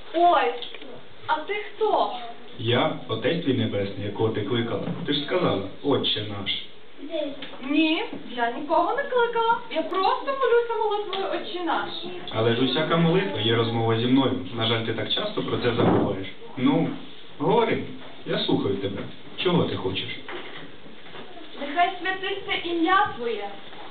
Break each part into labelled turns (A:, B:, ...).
A: Ой, а ти хто?
B: Я, Отець твій Небесний, якого ти кликала. Ти ж сказала, Отче наш.
A: Ні, я нікого не кликала. Я просто молюся молитвою Отче наш.
B: Але ж усяка молитва є розмова зі мною. На жаль, ти так часто про це забуваєш. Ну, говори, я слухаю тебе. Чого ти хочеш?
A: Нехай святиться ім'я Твоє.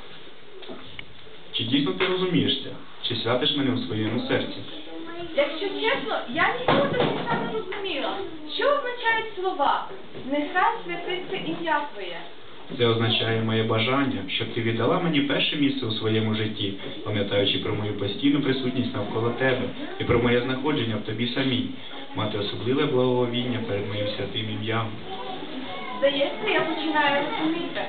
B: Чи дійсно ти розумієш це? Чи святиш мене у своєму серці?
A: Якщо чесно, я ніколи до кінця не розуміла, що означають слова «Нехай святиться ім'я Твоє».
B: Це означає моє бажання, щоб ти віддала мені перше місце у своєму житті, пам'ятаючи про мою постійну присутність навколо тебе і про моє знаходження в тобі самій, мати особливе благовіння перед моїм святим ім'ям.
A: Здається, я починаю розуміти.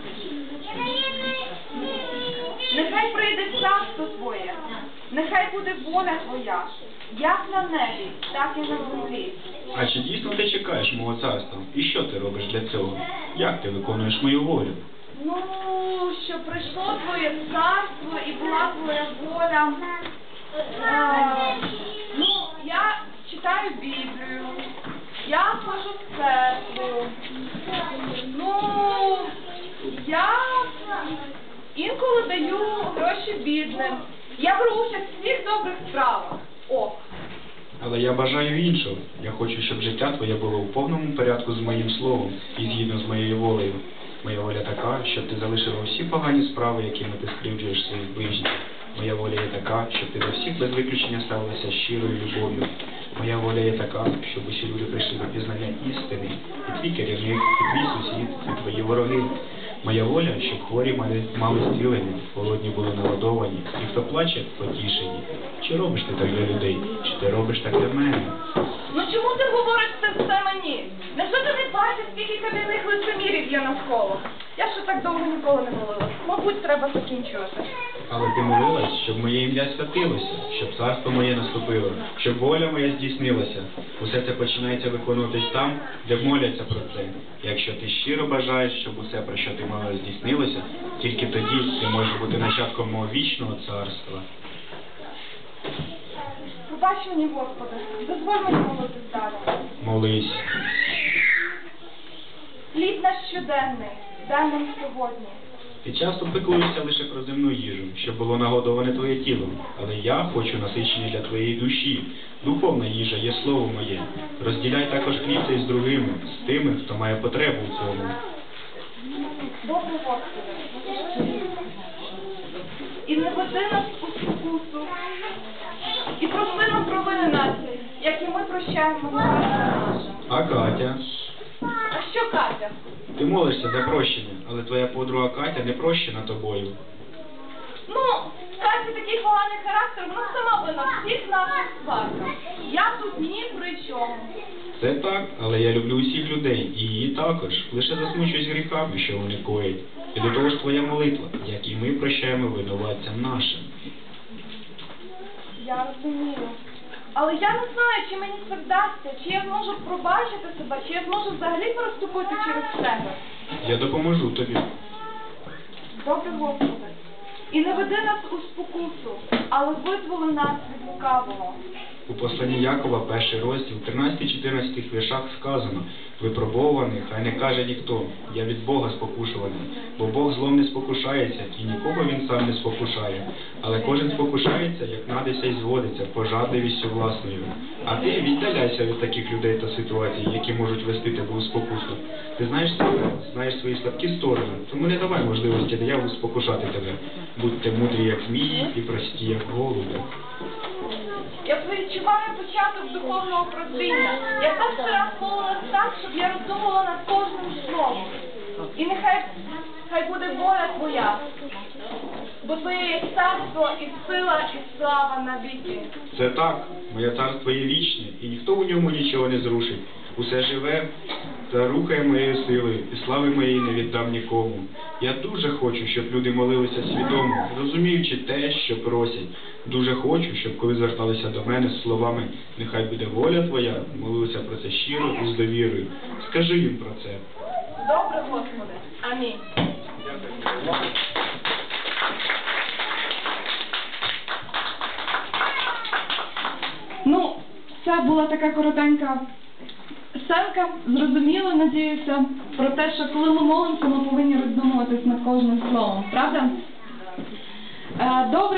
A: Нехай прийде царство Твоє, нехай буде воля Твоя, як на небі, так і на землі.
B: А чи дійсно ти чекаєш мого царства? І що ти робиш для цього? Як ти виконуєш мою волю?
A: Ну, щоб прийшло Твоє царство і була Твоя воля. Ну, я читаю Біблію, я ходжу в церкву. Ну, я інколи даю гроші бідним. Я беру участь у всіх добрих справах. О!
B: Але я бажаю іншого. Я хочу, щоб життя твоє було у повному порядку з моїм словом і згідно з моєю волею. Моя воля така, щоб ти залишила всі погані справи, якими ти скривджуєш своїх ближніх. Моя воля є така, щоб ти до всіх без виключення ставилася щирою любов'ю. Моя воля є така, щоб усі люди прийшли до пізнання істини, і твій керівник, і твій сусід, і твої вороги. Моя воля, щоб хворі мали зцілення, голодні були нагодовані, і хто плаче, потішені. Чи робиш ти так для людей, чи ти робиш так для мене?
A: Ну чому ти говориш це все мені? Невже ти не бачиш, скільки кам'яних лицемірів є навколо? Я ще так довго ніколи не молилась. Мабуть, треба закінчувати.
B: Але ти молилась, щоб моє ім'я святилося, щоб царство моє наступило, щоб воля моя здійснилася. Усе це починається виконуватись там, де моляться про це. Якщо ти щиро бажаєш, щоб усе, про що ти молила, здійснилося, тільки тоді ти можеш бути нащадком мого вічного царства.
A: Пробач мені, Господи, дозволь мені молитись далі.
B: Молись.
A: Хліб наш щоденний, дай нам сьогодні.
B: Ти часто піклуєшся лише про земну їжу, щоб було нагодоване твоє тіло. Але я хочу насичення для твоєї душі. Духовна їжа є слово моє. Розділяй також хліб цей з другими, з тими, хто має потребу у цьому.
A: Добре, Господи. І не веди нас у спокусу. І прости нам провини наші, як і ми прощаємо винуватцям нашим.
B: А Катя?
A: А що Катя?
B: Ти молишся за прощення, але твоя подруга Катя не прощена тобою.
A: Ну, Катя такий поганий характер, вона сама вина всіх наших сварках. Я тут ні при чому.
B: Це так, але я люблю усіх людей, і її також. Лише засмучуюсь гріхами, що вони коять. І до того ж твоя молитва, як і ми прощаємо винуватцям нашим.
A: Я розумію. Але я не знаю, чи мені це вдасться, чи я зможу пробачити себе, чи я зможу взагалі переступити через себе.
B: Я допоможу тобі.
A: Добре, Господи. І не веди нас у спокусу, але визволи нас від лукавого.
B: У посланні Якова, 1 розділ, 13-14 віршах сказано: «Випробований, хай не каже ніхто, я від Бога спокушуваний, бо Бог злом не спокушається, і нікого він сам не спокушає. Але кожен спокушається, як надися і зводиться, пожадливістю власною. А ти віддаляйся від таких людей та ситуацій, які можуть вести тебе у спокусу. Ти знаєш себе, знаєш свої слабкі сторони, тому не давай можливості дияволу спокушати тебе. Будьте мудрі, як змії, і прості, як голуби».
A: Я відчуваю початок духовного прозріння. Я перший раз молилась так, щоб я роздумувала над кожним словом. І нехай буде воля Твоя, бо Твоє є царство і сила, і слава навіки.
B: Це так, моє царство є вічне, і ніхто у ньому нічого не зрушить. Усе живе та рухає моєю силою, і слави моєї не віддам нікому. Я дуже хочу, щоб люди молилися свідомо, розуміючи те, що просять. Дуже хочу, щоб коли зверталися до мене з словами «Нехай буде воля Твоя», молилися про це щиро і з довірою. Скажи їм про це.
A: Добре, Господи. Амінь.
B: Дякую.
A: Ну, це була така коротенька сценка. Зрозуміло, надіюся, про те, що коли ми молимося, ми повинні роздумуватись над кожним словом. Правда? Добре.